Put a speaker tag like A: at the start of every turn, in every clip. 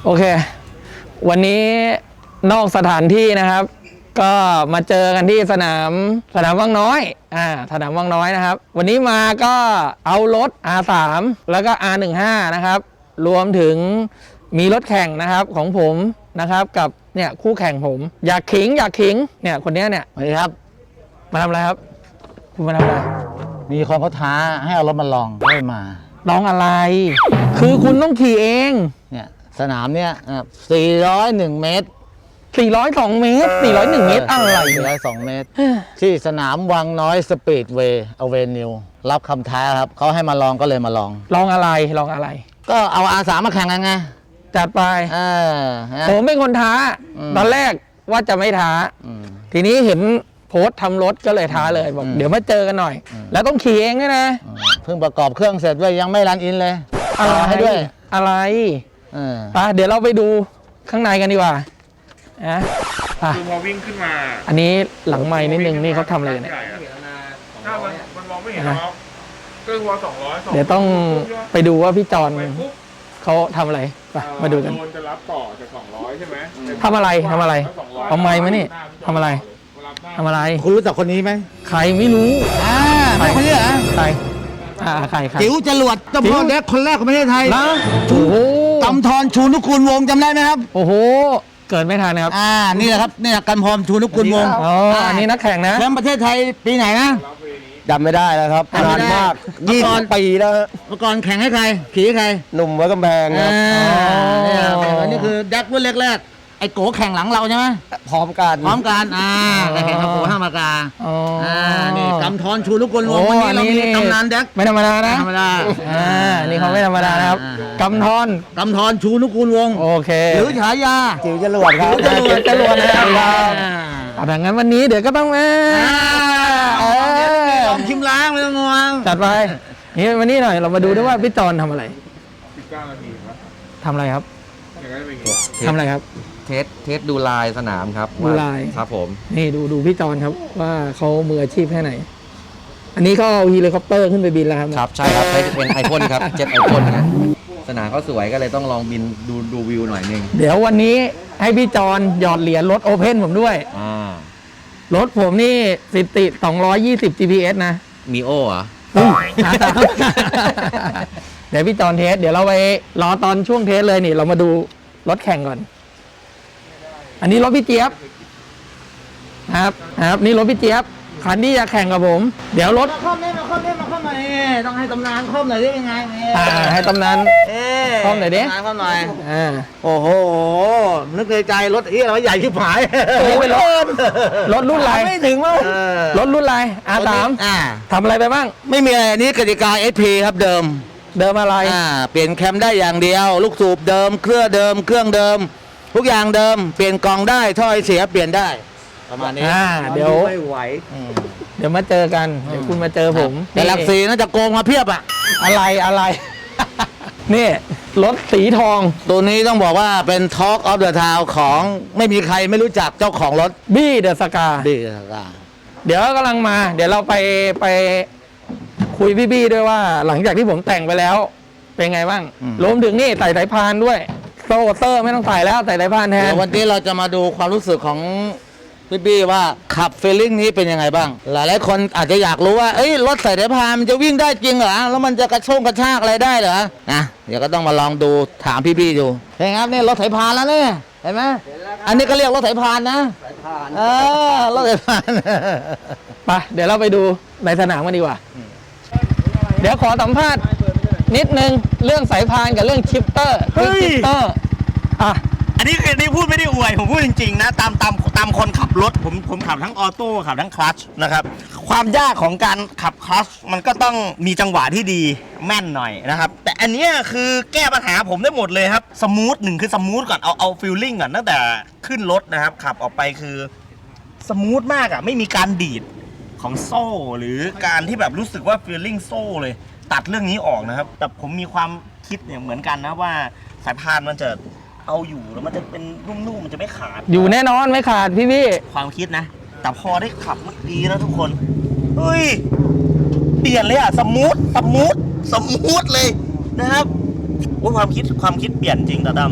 A: โอเควันนี้นอกสถานที่นะครับก็มาเจอกันที่สนามวังน้อยสนามวังน้อยนะครับวันนี้มาก็เอารถ R3 แล้วก็ R15 นะครับรวมถึงมีรถแข่งนะครับของผมนะครับกับเนี่ยคู่แข่งผมอยากขิงเนี่ยคนนี้เนี่ย
B: สวัสดีครับ
A: มาทำอะไรครับคุณมาทำอะไร
B: มีคนเขาท้าให้เอารถมาลองไม่มา
A: ลองอะไรคือคุณต้องขี่เอง
B: เนี่ยสนามเนี่ย401 เมตร
A: 402 เมตร 401 เมตรอะไร
B: 402 เมตร ที่สนามวังน้อยสปีดเวย์อเวนิวรับคำท้าครับเขาให้มาลองก็เลยมาลอง
A: ลองอะไร
B: ก็เอา R3 มาแข่งกันไง
A: จัดไปผมเป็นคนท้าตอนแรกว่าจะไม่ท้าทีนี้เห็นโพสต์ทำรถก็เลยท้าเลยบอกเดี๋ยวมาเจอกันหน่อยแล้วต้องขี่เองด้วยนะ
B: เพิ่งประกอบเครื่องเสร็จด้วยยังไม่รันอินเลย
A: อะไรให้ด้วยอะไรไปเดี๋ยวเราไปดูข้างในกันดีกว่า
C: คือพอวิ่งขึ้นมา
A: อันนี้หลังไม้นิดนึงนี่เขาทำอะไรเนี่ย
C: ถ้ามันมองไม่เห็นหรอกก็วัว200
A: เดี๋ยวต้องไปดูว่าพี่จอนเขาทำอะไรไปมาดูกัน
C: โดนจะรับต่อจาก200ใช่ไหม
A: ทำอะไรเอาไม้มานี่ทำอะไร
B: คุณรู้จักคนนี้ไหม
A: ใครไม่รู้
B: ไม่คนนี้เหรอ
A: ใคร
B: จิ๋วจรวดเจ้าพ่อเด็กคนแรกของประเทศไทย
A: นะโอ้โห
B: กำธรชูนุกูลวงจำได้ไหมครับ
A: โอ้โหเกิดไม่ทันนะครับ
B: นี่แหละครับนี่กำธรชูนุกูลวง
A: อันนี้นักแข่งนะ
B: แชมป์ประเทศไทยปีไหนนะ
D: จำไม่ได้แล้วครับนานมาก20 ปีแล้ว
B: เมื่อก่อนแข่งให้ใครขี่ให้ใคร
D: หนุ่มวัดกำแพงครับ
B: อันนี้คือดักรุ่นแรกไอ้โกแข่งหลังเราใช่ไหม
D: พร้อมกัน
B: แข่งกับโกห้ามากานี่กำธรชูนุกูลวงวันนี้เรามีตำนานดัก
A: ไม่ธรรมดานะ
B: ธรรมดา
A: นี่เขาไม่ธรรมดานะครับกำธร
B: ชูนุกูลวง
A: โอเค
B: หรือฉายา
D: จิ๋วจรวดครับ
A: จรวดนะครับดังนั้นวันนี้เดี๋ยวก็ต้อง
B: ชิมล้างไม่ต้องงง
A: จัดไปนี่วันนี้หน่อยเรามาดูด้วยว่าพี่จอนทำอะไร
C: 19 นาทีครับ
A: ทำอะไรครับทำอะไรครับ
D: เทสดูลายสนามครับ
A: ดูลาย
D: ครับผม
A: นี่ดูพี่จอนครับว่าเขามืออาชีพแค่ไหนอันนี้เขาเอาเฮลิคอปเตอร์ขึ้นไปบินแล้วครับ
D: ครับใช่ครับใช้เป็นไอพ่นครับเจ็ตไอพ่นนะสนามเขาสวยก็เลยต้องลองบินดูวิวหน่อยนึง
A: เดี๋ยววันนี้ให้พี่จอนหยอดเหรียญรถโอเพ่นผมด้วยรถผมนี่สิติ220 GPS นะ
D: มีโอเหรอ
A: เดี๋ยวพี่จอนเทสเดี๋ยวเราไปรอตอนช่วงเทสเลยนี่เรามาดูรถแข่งก่อนอันนี้รถพี่เจี๊ยบครับนี่รถพี่เจี๊ยบคันที่จะแข่งกับผมเดี๋ยวรถ
B: มาข้อมหน่อยต้องให้ตำนานข้อมหน่อยได้ยังไง
A: ให้ตำนานข้อมหน่อยดิ
B: ข้อมหน่อยโอ้โหนึกในใจรถเราใหญ่ชิบหาย
A: เป็นรถรุ่นอะไร
B: ไม่ถึงมั้ง
A: รถรุ่นอะไรR3ทำอะไรไปบ้าง
B: ไม่มีอะไรนี้กติกา SP ครับเดิม
A: อะไร
B: เปลี่ยนแคมได้อย่างเดียวลูกสูบเดิมเครื่องเดิมทุกอย่างเดิมเปลี่ยนกล่องได้ถ้อยเสียเปลี่ยนได้ประมาณนี้
A: เดี๋ยว
B: ไม่ไหว
A: เดี๋ยวมาเจอกันเดี๋ยวคุณมาเจอผม
B: แต่หลักสีน่าจะโกงมาเพียบ
A: อะไรนี่รถสีทอง
B: ตัวนี้ต้องบอกว่าเป็น Talk of the Town ของไม่มีใครไม่รู้จักเจ้าของรถ
A: บี้เดอะสกาเดี๋ยวกำลังมาเดี๋ยวเราไปคุยพี่บี้ด้วยว่าหลังจากที่ผมแต่งไปแล้วเป็นไงบ้างรวมถึงนี่ใส่สายพานด้วยโซ่เตอร์ไม่ต้องใส่แล้วใส่สายพานแทน
B: วันนี้เราจะมาดูความรู้สึกของพี่บี้ว่าขับฟีลลิ่งนี้เป็นยังไงบ้างหลายคนอาจจะอยากรู้ว่ารถใส่สายพานมันจะวิ่งได้จริงเหรอแล้วมันจะกระชากอะไรได้เหรอนะเดี๋ยวก็ต้องมาลองดูถามพี่บี้ดูเห็นครับนี่รถสายพานแล้วเนี่ยเห็นไหมอันนี้ก็เรียกรถสายพานนะสายพานรถสายพาน
A: ไปเดี๋ยวเราไปดูในสนามกันดีกว่าเดี๋ยวขอสัมภาษณ์นิดนึงเรื่องสายพานกับเรื่องชิปเตอร์
E: อันนี้พูดไม่ได้อวยผมพูดจริงๆนะตามคนขับรถผมขับทั้งออโต้ขับทั้งคลัตช์นะครับความยากของการขับคลัตช์มันก็ต้องมีจังหวะที่ดีแม่นหน่อยนะครับแต่อันนี้คือแก้ปัญหาผมได้หมดเลยครับสมูทคือสมูทก่อนเอาฟีลลิ่งก่อนตั้งแต่ขึ้นรถนะครับขับออกไปคือสมูทมากไม่มีการดีดของโซ่หรือการที่แบบรู้สึกว่าฟีลลิ่งโซ่เลยตัดเรื่องนี้ออกนะครับแต่ผมมีความคิดเนี่ยเหมือนกันนะว่าสายพานมันจะเอาอยู่แล้วมันจะเป็นนุ่มๆมันจะไม่ขาด
A: อยู่แน่นอนไม่ขาดพี่
E: ความคิดนะแต่พอได้ขับมันดีนะทุกคนเฮ้ยเปลี่ยนเลยสมูทเลยนะครับว่าความคิดเปลี่ยนจริงตาดำ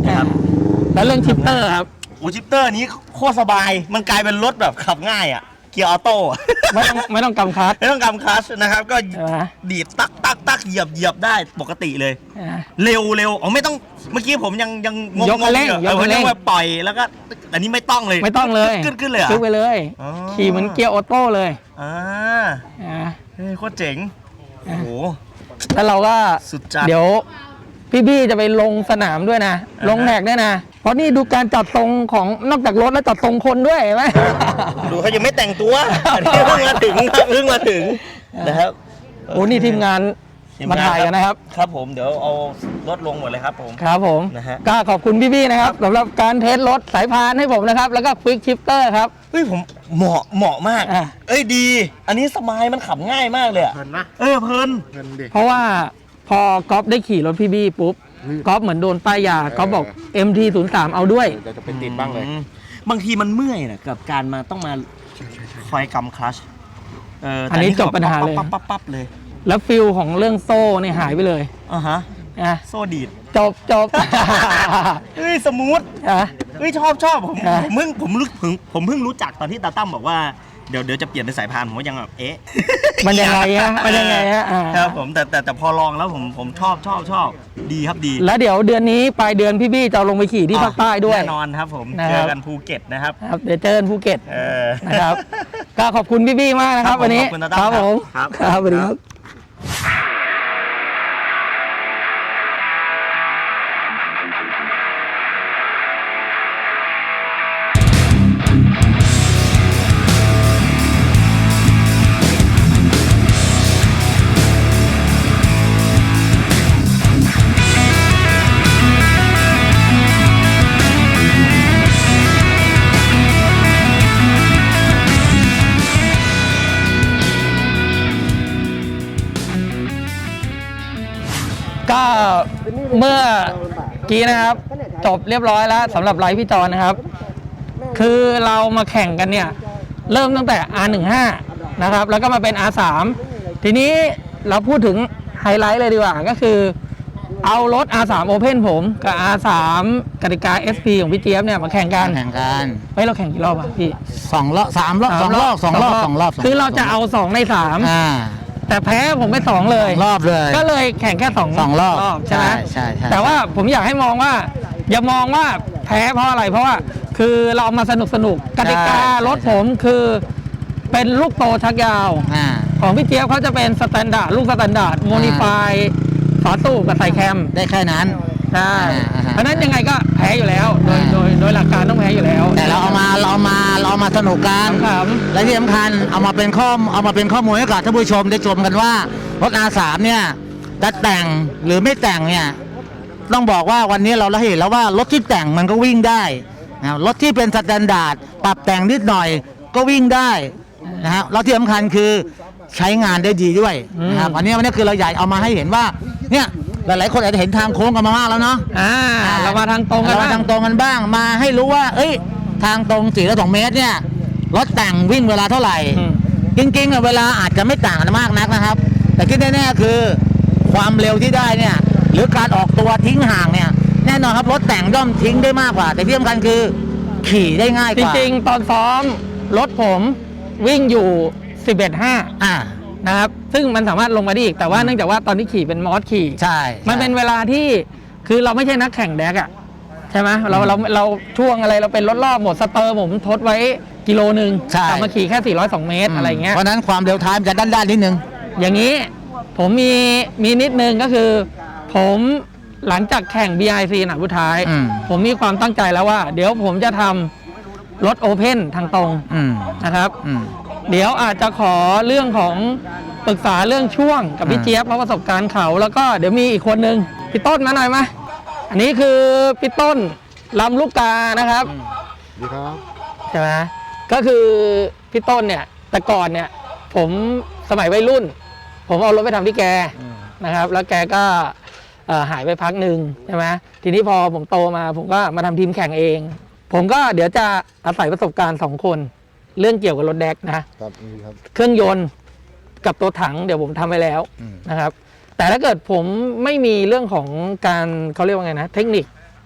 E: นะครับ
A: แล้วเรื่องชิปเตอร์ครับ
E: โอ้ชิปเตอร์นี้โคตรสบาย มันกลายเป็นรถแบบขับง่ายอ่ะ เกียร์ออโต้
A: ไม่ต้องกำคัส
E: ไม่ต้องกำคลัตช์นะครับ ก็
A: ใช่ไหม
E: ดีดตักตักตักเหยียบได้ปกติเลย
A: อ่า
E: เร็วอ๋อไม่ต้องเมื่อกี้ผมยังงง
A: ยกคันเร่ง
E: อยู่
A: ยกคันเร่ง
E: ว่าปล่อยแล้วก็อันนี้ไม่ต้องเลย
A: ไม่ต้องเลย
E: ขึ้นเลยเหรอ
A: ขึ้นไปเลย
E: อ๋อ
A: ขี่เหมือนเกียร์ออโต้เลย
E: อ่า
A: อ่า
E: เฮ้ยโคตรเจ๋งโอ้โห
A: แล้วเราก็
E: สุดจัด
A: เดี๋ยวพี่บี้จะไปลงสนามด้วยนะ ลงแท็กด้วยนะ เพราะนี่ดูการจัดทรงของนอกจากรถแล้วจัดทรงคนด้วยเห็นไหม
E: ดูเขายังไม่แต่งตัวอันนี้เพิ่งมาถึงครับเพิ่งมาถึงนะครับ
A: โอ้นี่ทีมงานมาถ่ายกันนะครับ
E: ครับผมเดี๋ยวเอารถลงหมดเลยครับผม
A: ครับผม
E: นะฮะ
A: ก็ขอบคุณพี่ๆนะครับสำหรับการเทสรถสายพานให้ผมนะครับ แล้วก็ควิกชิปเตอร์ครับ
E: เฮ้ยผมเหมาะมาก
A: อ่ะ
E: เอ้ยดี อันนี้สมายมันขับง่ายมากเลยอะ
C: เพลินนะ
E: เพลิน
C: เพลินดิ
A: เพราะว่าพอก๊อฟได้ขี่รถพี่บี้ปุ๊บก๊อฟเหมือนโดนป้ายยาก๊อฟบอก MT03 เอาด้วย
C: จะเป็นติดบ้างเลย
E: บางทีมันเมื่อยนะกับการมาต้องมาคอยกำคลัชแต่
A: อันนี้จบปัญหาเลย
E: ปั๊บเลย
A: แล้วฟิลของเรื่องโซ่เนี่ยหายไปเลย
E: อ่ะฮะ
A: นะ
E: โซ่ดีด
A: จบ
E: เฮ้ยสมูท
A: อ่ะ
E: เฮ้ยชอบผม
A: อ่ะ
E: ผมเพิ่งรู้จักตอนที่ตาตั้มบอกว่าเดี๋ยวจะเปลี่ยนเป็นสายพานผมก็ยังแบบเอ๊ะ
A: มันยังไงฮะมันยังไงฮะอ่า
E: ครับผมแต่พอลองแล้วผมชอบดีครับดี
A: แล้วเดี๋ยวเดือนนี้ปลายเดือนพี่บี้จะเอาลงไปขี่ที่ภาคใต้ด้วย
E: แน่นอนครับผม
A: นะค
E: เจ
A: รับ
E: อกันภูเก็ตนะครับ
A: ครับเดี๋ยวเจอกันภูเก็ต
E: เออ
A: นะครับ ก็ขอบคุณพี่บี้มากนะครับ
E: ครับผม
A: วันนี้
E: ขอบคุณตาตั้ม
A: ผม
E: ครับ
A: ครับสวัสดีครับ ก็เมื่อกี้นะครับ จบเรียบร้อยแล้วสำหรับไลฟ์พี่จอนนะครับ คือเรามาแข่งกันเนี่ย เริ่มตั้งแต่ R15 นะครับ แล้วก็มาเป็น R3 ทีนี้เราพูดถึงไฮไลท์เลยดีกว่า ก็คือเอารถ R3 Open ผมกับ R3 กติกา SP ของพี่เจี๊ยบเนี่ยมาแข่งกัน
B: แข่งกัน
A: เฮ้ยเราแข่งกี่รอบอะพี่
B: 2 รอบ 3 รอบ 2 รอบ
A: คือเราจะเอา 2 ใน
B: อ่า
A: 3 แต่แพ้ผมไป2เลย
B: รอบเลย
A: ก็เลยแข่งแค่2
B: 2 รอบ
A: ใช่ไหม
B: ใช่
A: แต่ว่าผมอยากให้มองว่า อย่ามองว่าแพ้เพราะอะไรเพราะว่าคือเรามาสนุกกติการถผมคือเป็นลูกโตชักยาว
B: อ่า
A: ของพี่เจี๊ยบเขาจะเป็นสแตนดาร์ดลูกสแตนดาร์ดโมนิฟายฝาตู้กับใส่แคม
B: ได้แค่นั้น
A: ใช่
B: อ่า
A: เพราะฉะนั้นยังไงก็แพ้อยู่แล้วโดยหลักการต้องแพ้อยู่แล้ว
B: แต่เราเอามาสนุกกัน
A: ขำ
B: และที่สำคัญเอามาเป็นข้อมูลให้กับท่านผู้ชมได้ชมกันว่ารถ R3 เนี่ยจะแต่งหรือไม่แต่งเนี่ยต้องบอกว่าวันนี้เราเห็นแล้วว่ารถที่แต่งมันก็วิ่งได้นะรถที่เป็นสแตนดาร์ดปรับแต่งนิดหน่อยก็วิ่งได้นะฮะแล้วที่สำคัญคือใช้งานได้ดีด้วยนะครับวันนี้คือเราอยากเอามาให้เห็นว่าเนี่ยหลายๆคนอาจจะเห็นทางโค้งกันมามากแล้วเนาะ
A: เรามาทางตรงกัน
B: เรา
A: บ้าง
B: ทางตรงกันบ้างมาให้รู้ว่า เอ้ย ทางตรง4.2 เมตรเนี่ยรถแต่งวิ่งเวลาเท่าไหร่ จริงๆอะเวลาอาจจะไม่ต่างกันมากนักนะครับ แต่ที่แน่ๆคือความเร็วที่ได้เนี่ย หรือการออกตัวทิ้งห่างเนี่ย แน่นอนครับรถแต่งย่อมทิ้งได้มากกว่า แต่ที่สำคัญคือขี่ได้ง่ายก
A: จ
B: ว่า
A: ริงๆ ตอนซ้อมรถผมวิ่งอยู่ 11.5
B: อ่า
A: นะครับ ซึ่งมันสามารถลงมาได้อีก แต่ว่าเนื่องจากว่าตอนที่ขี่เป็นมอสขี่
B: ใช่
A: มันเป็นเวลาที่คือเราไม่ใช่นักแข่งแดกอะใช่ไหมเราช่วงอะไรเราเป็นรถรอบหมดสเตอร์ผมทดไว้กิโลนึง
B: ใช่
A: กลับมาขี่แค่ 402 เมตรอะไรเงี้ย
B: เพราะฉะนั้นความเร็วท้ายมันจะด้านๆนิดนึง
A: อย่างนี้ผมมีนิดนึงก็คือ ผมหลังจากแข่ง BIC หนักผู้ท้าย
B: อืม
A: ผมมีความตั้งใจแล้วว่า เดี๋ยวผมจะทำรถโอเพ่นทางตรง
B: อืม
A: นะครับ
B: อืม
A: เดี๋ยวอาจจะขอเรื่องของปรึกษาเรื่องช่วงกับพี่
B: อ่า
A: เจี๊ยบเพราะประสบการณ์เขาแล้วก็เดี๋ยวมีอีกคนนึงพี่ต้นมาหน่อยมาอันนี้คือพี่ต้นลำลูกกานะครับ
C: ดีครับ
A: ใช่ไหมก็คือพี่ต้นเนี่ยแต่ก่อนเนี่ยผมสมัยวัยรุ่น ผมเอารถไปทำที่แกนะครับ แล้วแกก็หายไปพักหนึ่งใช่ไหมทีนี้พอผมโตมาผมก็มาทำทีมแข่งเอง ผมก็เดี๋ยวจะอาศัยประสบการณ์2 คนเรื่องเกี่ยวกับรถแดกนะครับ
C: ดีครับ
A: เครื่องยนต์กับตัวถังเดี๋ยวผมทำไปแล้ว นะครับ แต่ถ้าเกิดผมไม่มีเรื่องของการเขาเรียกว่าไงนะเทคนิค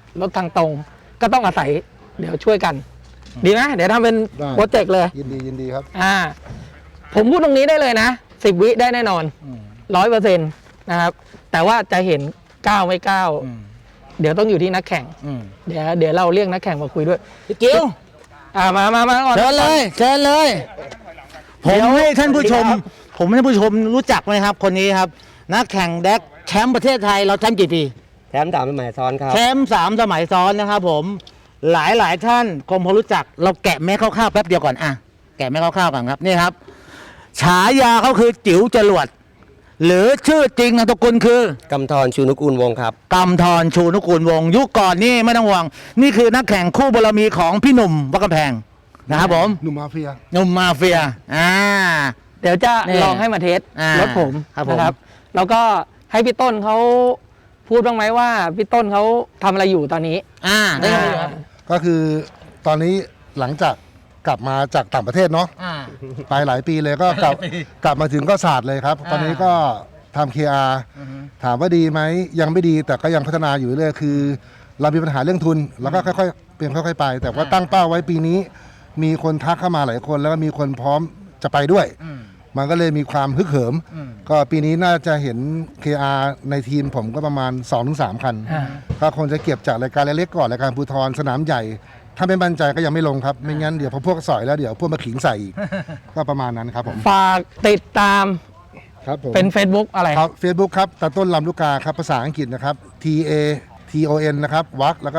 A: รถทางตรง ก็ต้องอาศัยเดี๋ยวช่วยกัน ดีไหมเดี๋ยวทำเป็น
F: ได้
A: โปรเจกต์เลย
F: ยินดีครับ
A: ผมพูดตรงนี้ได้เลยนะ10 วิได้แน่นอน100%นะครับแต่ว่าจะเห็นก้าวไม่ก้าวเดี๋ยวต้องอยู่ที่นักแข่งเดี๋ยวเราเรียกนักแข่งมาคุยด้วย
B: พี่กิ้ว
A: มาก่อน
B: เชิญเลยเชิญเลย ผมให้ท่านผู้ชม ผมให้ท่านผู้ชมรู้จักไหมครับ คนนี้ครับ นักแข่งแดกแชมป์ประเทศไทยเราแชมป์กี่ปี
G: แถม3 สมัยซ้อนครับ
B: แชมป์3 สมัยซ้อนนะครับผมหลายท่านคงพอรู้จักเราแกะแม่คร่าวๆแป๊บเดียวก่อนอ่ะแกะแม่คร่าวๆก่อนครับนี่ครับ ฉายาเขาคือจิ๋วจรวด หรือชื่อจริงนามสกุลคือก
G: ำธรชูนุกูลวงศ์ครับ
B: กำธรชูนุกูลวงศ์ยุคก่อนนี่ไม่ต้องห่วง นี่คือนักแข่งคู่บารมีของพี่หนุ่มวัดกำแพงนะครับผม
F: หนุ่มมาเฟีย
B: หนุ่มมาเฟีย
A: เดี๋ยวจะ
B: นี่
A: ลองให้มาเทส
B: ร
A: ถผม
B: ครับผม
A: นะครับแล้วก็ให้พี่ต้นเขาพูดบ้างไหมว่าพี่ต้นเขาทำอะไรอยู่ตอนนี้
B: ได้ครับ
F: ก็คือตอนนี้หลังจากกลับมาจากต่างประเทศเนาะไปหลายปีเลยก็กลับมาถึงก็ศาสตร์เลยครับ ตอนนี้ก็ทำ KR ถามว่าดีไหมยังไม่ดีแต่ก็ยังพัฒนาอยู่เรื่อยๆคือ เรามีปัญหาเรื่องทุน แล้วก็ค่อยๆเปลี่ยนค่อยๆไป แต่ว่าตั้งเป้าไว้ปีนี้ มีคนทักเข้ามาหลายคนแล้วก็มีคนพร้อมจะไปด้วย มันก็เลยมีความฮึกเหิม ก็ปีนี้น่าจะเห็น KR ในทีมผมก็ประมาณ 2-3 คัน ก็คงจะเก็บจากรายการเล็กๆก่อนรายการภูธรสนามใหญ่ ถ้าไม่มั่นใจก็ยังไม่ลงครับ ไม่งั้นเดี๋ยวพอพวกสอยแล้วเดี๋ยวพวกมาขิงใส่อีก ก็ประมาณนั้นครับผม
A: ฝากติดตาม
F: ครับผม
A: เป็น Facebook อะไร
F: ครับ Facebook ครับตาต้นลำลูกกาครับภาษาอังกฤษนะครับ TATON นะครับวักแล้วก็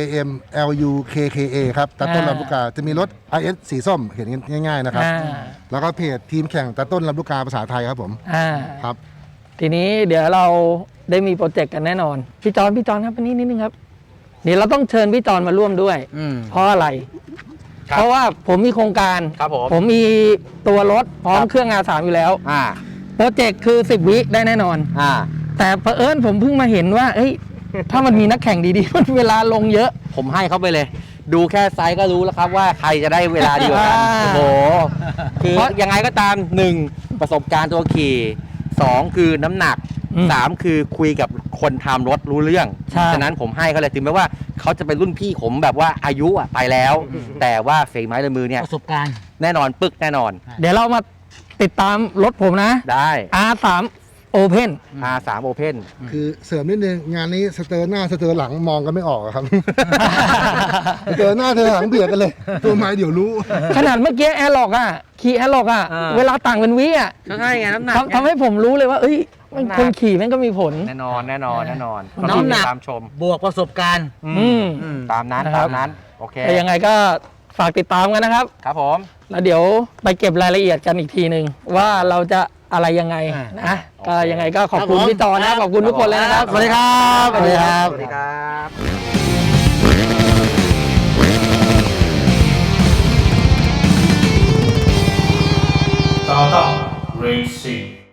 F: LAMLUKKA ครับตาต้นลำลูกกาจะมีรถ IS สีส้มเห็นง่ายๆนะครับ แล้วก็เพจทีมแข่งตาต้นลำลูกกาภาษาไทยครับผม ครับ
A: ทีนี้เดี๋ยวเราได้มีโปรเจกต์กันแน่นอน พี่จอนครับอันนี้นิดนึงครับเดี๋ยวเราต้องเชิญพี่จอนมาร่วมด้วย เพราะอะไร เพราะว่าผมมีโครงการ
E: ครับผม
A: ผมมีตัวรถพร้อมเครื่อง R3 อยู่แล้วโปรเจกต์คือ10 วิได้แน่นอน แต่เผอิญผมเพิ่งมาเห็นว่าเอ้ยถ้ามันมีนักแข่งดีๆ มันเวลาลงเยอะ
D: ผมให้เขาไปเลย ดูแค่ไซส์ก็รู้แล้วครับว่าใครจะได้เวลาดีกว่ากัน
A: อ่า
D: โอ้โหคือยังไงก็ตาม 1. ประสบการณ์ตัวขี่ 2. คือน้ำหนัก 3. คือคุยกับคนทำรถรู้เรื่อง
A: ใช่
D: ฉะนั้นผมให้เขาเลยถึงแม้ว่าเขาจะเป็นรุ่นพี่ผมแบบว่าอายุอะไปแล้ว แต่ว่าฝีไม้ลายมือเนี่ย
B: ประสบการณ์
D: แน่นอนปึกแน่นอน
A: เดี๋ยวเรามาติดตามรถผมนะ
D: ได้
A: R3 Open
D: R3 Open
F: คือเสริมนิดนึงงานนี้สเตอร์หน้าสเตอร์หลังมองกันไม่ออกอะครับ สเตอร์หน้าสเตอร์หลังเบียดกันเลย ตัวไม้เดี๋ยวรู้
A: ขนาดเมื่อกี้แอร์ล็อกขี่แอร์ล็อก เวลาต่างเป็นวิ
D: ใช่ไงน้ำหนัก
A: ทำให้ผมรู้เลยว่า เอ้ยมันคนขี่แม่งก็มีผล
D: แน่นอน
B: น้ำหนัก
D: ตามชม
B: บวกประสบการณ์
D: ตามนั้น
A: นะครับ
D: ตามนั้น โอเค
A: แต่ยังไงก็ฝากติดตามกันนะครับ
D: ครับผม
A: แล้วเดี๋ยวไปเก็บรายละเอียดกันอีกทีหนึ่งว่าเราจะอะไรยังไงนะก็ยังไงก็ขอบคุณ
B: ครับผม
A: พี่จอนะขอบคุณทุกคนเลยนะครับ
B: สวัสดีครับสวัสดีครับ
D: สวัสดีครับ
C: Startup Racing